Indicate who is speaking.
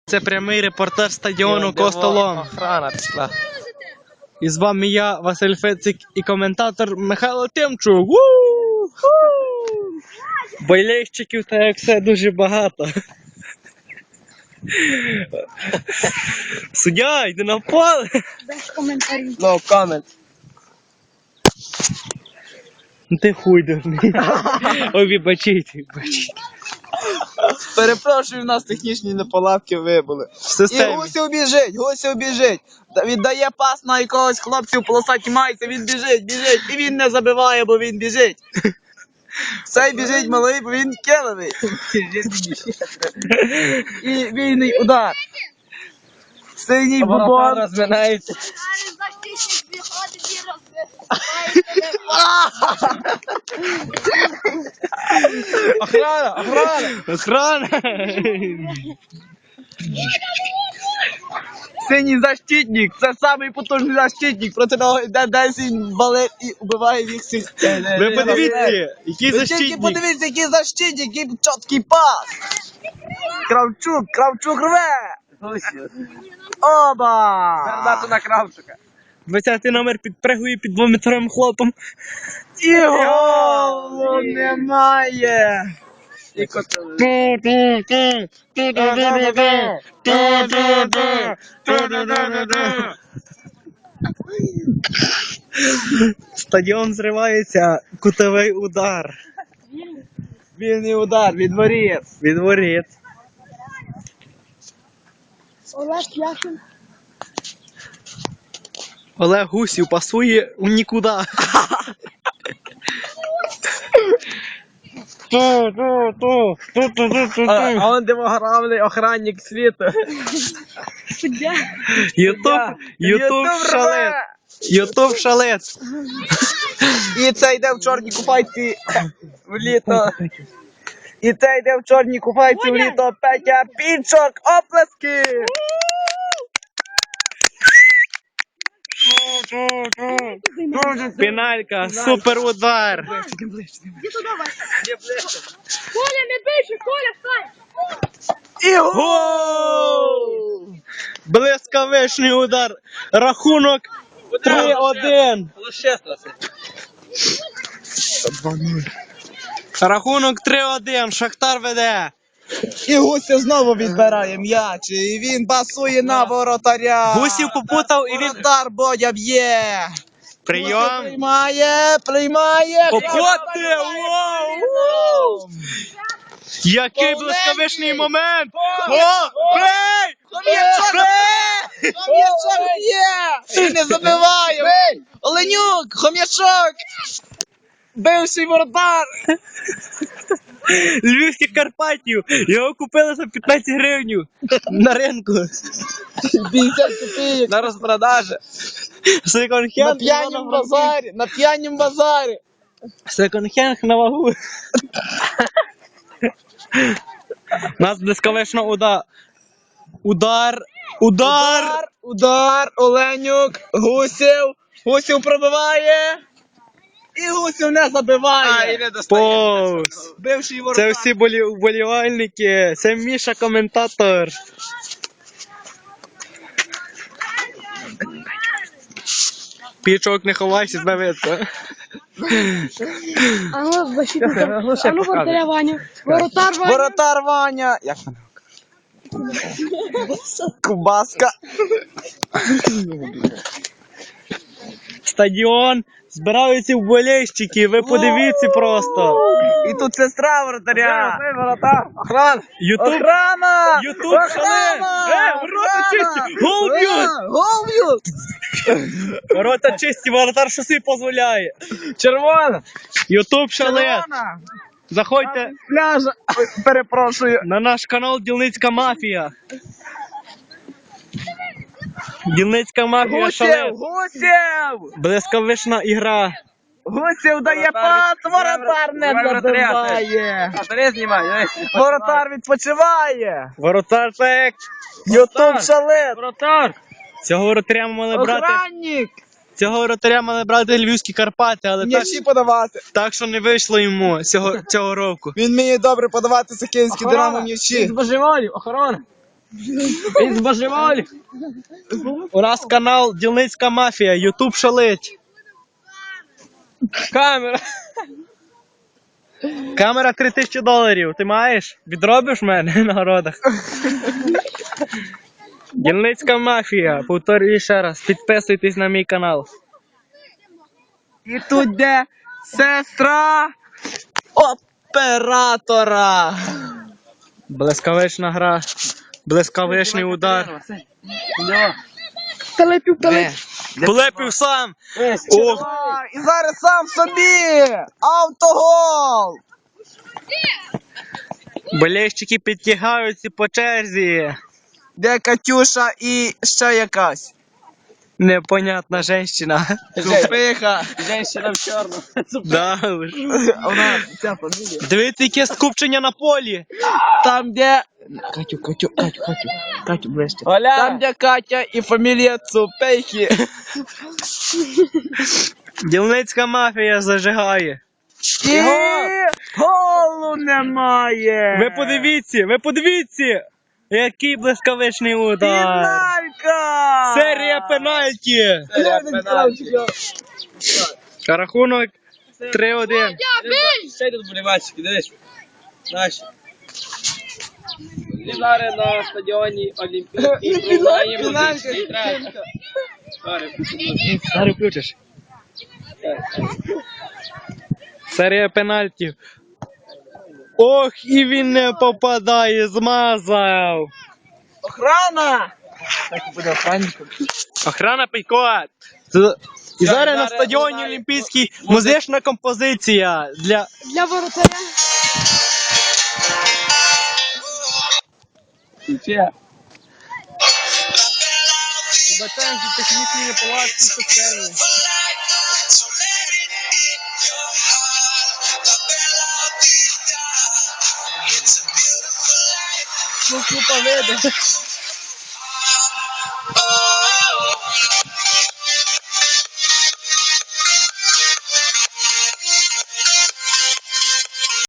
Speaker 1: Це прямий репортаж стадіону Костолом.
Speaker 2: Охрана пішла.
Speaker 1: І з вами я, Василь Фецик, і коментатор Михайло Тимчук. Болельщиків та як все дуже багато. Суддя, йди на поле.
Speaker 3: Без коментарів.
Speaker 2: No comment.
Speaker 1: Ти хуй дурний. Ой, вибачіть.
Speaker 2: Перепрошую, в нас технічні неполадки вибули.
Speaker 1: В системі.
Speaker 2: І Гусів біжить. Віддає пас на якогось хлопця в полосатій майці, він біжить. І він не забиває, бо він біжить. Цей біжить малий, бо він киловий. І вільний удар. Синій бубон. Розминається.
Speaker 1: Охрана.
Speaker 2: Синій защитник, це самий потужний защитник, проти нього йде 10 балет і убиває їх всіх.
Speaker 1: Ви подивіться, який
Speaker 2: Тільки
Speaker 1: защитник.
Speaker 2: подивіться, який защитник, який чіткий пас. Кравчук рве. Оба! Передача на Кравчука.
Speaker 1: 20-й номер підпригує під 2-метровим хлопом.
Speaker 2: І голу немає. І
Speaker 1: Стадіон зривається, кутовий удар.
Speaker 2: вільний удар від воріт.
Speaker 1: Від воріт.
Speaker 3: Олег Яшин.
Speaker 1: Олег Гусів пасує у нікуди.
Speaker 2: А он демографний охранник світу.
Speaker 3: Суддя.
Speaker 1: Ютуб шалет. Ютуб шалет.
Speaker 2: І це йде в чорній купайці в літо. І це йде в чорній купайці в літо. Петя Пінчок. Оплески!
Speaker 1: Пеналька, супер удар.
Speaker 3: Іди туди, Вася. Коля, не бийся, Коля, стань.
Speaker 2: І
Speaker 1: Гол! Блискавичний удар. Рахунок 3-1. Рахунок 3-1. Шахтар веде.
Speaker 2: І Гусів знову відбирає м'яч. І він пасує на воротаря.
Speaker 1: Гусів попутав і він...
Speaker 2: Воротар Бодя б'є.
Speaker 1: Прийом.
Speaker 2: Приймає.
Speaker 1: Попоти! Вау! Який блискавичний момент! О! Бей!
Speaker 2: Хом'ячок б'є! І не забиває! Оленюк! Хом'ячок! Бивший воротар!
Speaker 1: Львівських Карпатів! Його купили за 15 гривень на ринку.
Speaker 2: 50 копійок! На розпродажі!
Speaker 1: Секонд-хенд
Speaker 2: На п'янім базарі!
Speaker 1: Секонд-хенд на вагу. Нас блискавично Удар!
Speaker 2: Оленюк! Гусів пробиває! І Гусів не забиває!
Speaker 1: Повз!
Speaker 2: Бивший воротар!
Speaker 1: Це всі вболівальники, це Міша коментатор. Пічок, не ховайся, тебе видно.
Speaker 3: А ну, защитник. А ну, воротаря Ваню. Воротар Ваня.
Speaker 2: Воротар Ваня! Як вона? Кубаска!
Speaker 1: Стадіон, збираються вболівальники, ви подивіться просто.
Speaker 2: І тут сестра воротаря! Воротар! Охрана!
Speaker 1: Ютуб шале! Ворота чисті! Гол б'ють!
Speaker 2: Гол б'ють!
Speaker 1: Ворота чисті, воротар що собі дозволяє.
Speaker 2: Червона!
Speaker 1: Ютуб шале!
Speaker 2: Червона!
Speaker 1: Заходьте
Speaker 2: Пляжа! Ой, перепрошую!
Speaker 1: на наш канал Дільницька мафія. Дільницька мафія шале.
Speaker 2: Гусів!
Speaker 1: Блискавична ігра.
Speaker 2: Гусів дає пас, воротар не забиває! Воротар відпочиває!
Speaker 1: Воротар так.
Speaker 2: Ютуб шалет!
Speaker 1: Цього воротаря мали брати.
Speaker 2: Охранник!
Speaker 1: Цього воротаря мали брати Львівські Карпати, але так,
Speaker 2: М'ячі подавати!
Speaker 1: так що не вийшло йому цього року.
Speaker 2: Він вміє добре подавати сокільські Динамо м'ячі!
Speaker 1: Божеволів, охорона.
Speaker 2: Він збожеволів.
Speaker 1: У нас канал Дільницька мафія, Ютуб шалить.
Speaker 2: Камера.
Speaker 1: Камера $3000. Ти маєш? Відробиш мене на городах? Дільницька мафія. Повторюю ще раз. Підписуйтесь на мій канал.
Speaker 2: І тут де сестра оператора.
Speaker 1: Блискавична гра. Блискавичний удар.
Speaker 3: Талепів,
Speaker 1: Влепив сам. Ох.
Speaker 2: І зараз сам собі. Автогол.
Speaker 1: Болельщики підтягаються по черзі.
Speaker 2: Де Катюша і ще якась.
Speaker 1: Непонятна женщина.
Speaker 2: Тупиха.
Speaker 4: Женщина в чорному.
Speaker 1: Да, ви ж.
Speaker 2: Вона ця фамілія.
Speaker 1: Дивіться, яке скупчення на полі.
Speaker 2: Там, де... Катю, ближче.
Speaker 4: Оля!
Speaker 2: Там, де Катя і фамілія Цупейхи.
Speaker 1: Дільницька мафія зажигає.
Speaker 2: І голу немає.
Speaker 1: Ви подивіться, який блискавичний удар.
Speaker 2: Фіналька!
Speaker 1: Серія пенальті.
Speaker 4: Серія пенальті.
Speaker 1: Рахунок 3-1.
Speaker 4: Ще йдуть болівальщики, дивись. Наші. І зараз на стадіоні Олімпійський приймаємо музичний трек.
Speaker 1: Зараз включиш. Серія пенальтів. Ох, і він не попадає, змазав.
Speaker 2: Охрана! Так і буде охранником.
Speaker 1: Охрана Пейкот. І зараз на стадіоні Олімпійський музична композиція для...
Speaker 3: Для воротаря.
Speaker 1: Вибачаємо за технічні неполадки в системі.
Speaker 2: Ну, купа види.